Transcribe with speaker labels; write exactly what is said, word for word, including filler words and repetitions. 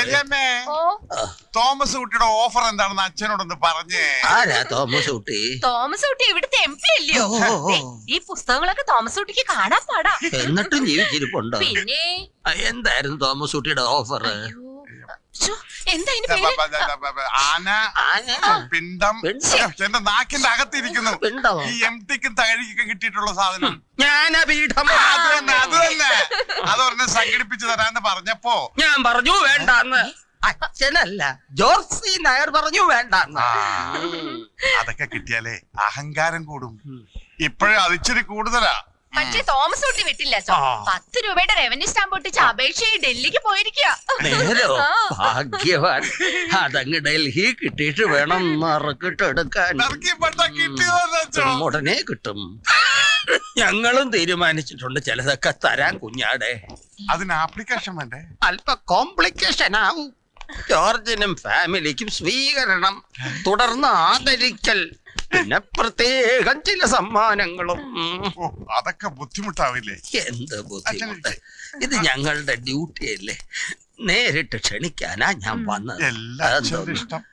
Speaker 1: വല്യമ്മേ, Thomas കുട്ടിയുടെ offer എന്താണെന്ന് അച്ഛനോടൊന്ന് പറഞ്ഞേ.
Speaker 2: ആരാ തോമസ് കുട്ടി?
Speaker 3: തോമസ് കുട്ടി ഇവിടുത്തെ എം പി അല്ലയോ? ദേ, ഈ പുസ്തകങ്ങളൊക്കെ തോമസ് കുട്ടിക്ക് കാണാൻ പാടാ.
Speaker 2: എന്നിട്ടും ജീവിച്ചിരിപ്പുണ്ടോ?
Speaker 3: പിന്നെ
Speaker 2: എന്തായിരുന്നു തോമസ് കുട്ടിയുടെ ഓഫർ?
Speaker 3: ശ്ശോ, എന്താ ഇതിന്റെ പേര്?
Speaker 1: ആന, പിണ്ടം, എന്റെ നാക്കിന്റെ അകത്തിരിക്കുന്നു. ഈ എം ടിക്കും തകഴിക്കും കിട്ടിയിട്ടുള്ള സാധനം
Speaker 2: ജ്ഞാനപീഠം.
Speaker 1: അത് തന്നെ അത് തന്നെ അതൊരെണ്ണം സംഘടിപ്പിച്ചു തരാന്ന് പറഞ്ഞപ്പോ
Speaker 2: ഞാൻ പറഞ്ഞു വേണ്ടാന്ന്. അച്ഛനല്ല, ജോർസി നായർ പറഞ്ഞു വേണ്ടാന്ന്.
Speaker 1: അതൊക്കെ കിട്ടിയാലേ അഹങ്കാരം കൂടും. ഇപ്പോഴും അതിച്ചിരി കൂടുതലാ.
Speaker 3: പക്ഷേ തോമസ് കുട്ടി വിട്ടില്ല. പത്ത് രൂപയുടെ റവന്യൂ സ്റ്റാമ്പ് ഒട്ടിച്ച് അപേക്ഷയായി ഡൽഹിക്ക് പോയിരിക്കുക.
Speaker 2: നേരോ? ഭാഗ്യവാൻ. അതങ്ങ് ഡൽഹി കിട്ടിയിട്ട് വേണം മറക്കിട്ടെടുക്കാൻ. ഉടനെ കിട്ടും. ഞങ്ങളും തീരുമാനിച്ചിട്ടുണ്ട് ചിലതൊക്കെ തരാൻ കുഞ്ഞാടെ.
Speaker 1: അതിന് ആപ്ലിക്കേഷൻ വേണ്ടേ?
Speaker 2: അല്പ കോംപ്ലിക്കേഷൻ ആവും. ജോർജിനും ഫാമിലിക്കും സ്വീകരണം, തുടർന്ന് ആദരിക്കൽ, പിന്നെ പ്രത്യേകം ചില സമ്മാനങ്ങളും.
Speaker 1: അതൊക്കെ ബുദ്ധിമുട്ടാവില്ലേ?
Speaker 2: എന്ത് ബുദ്ധിമുട്ട്? ഇത് ഞങ്ങളുടെ ഡ്യൂട്ടി അല്ലേ. നേരിട്ട് ക്ഷണിക്കാനാ ഞാൻ വന്നത്.
Speaker 1: എല്ലാവരും ഇഷ്ടം.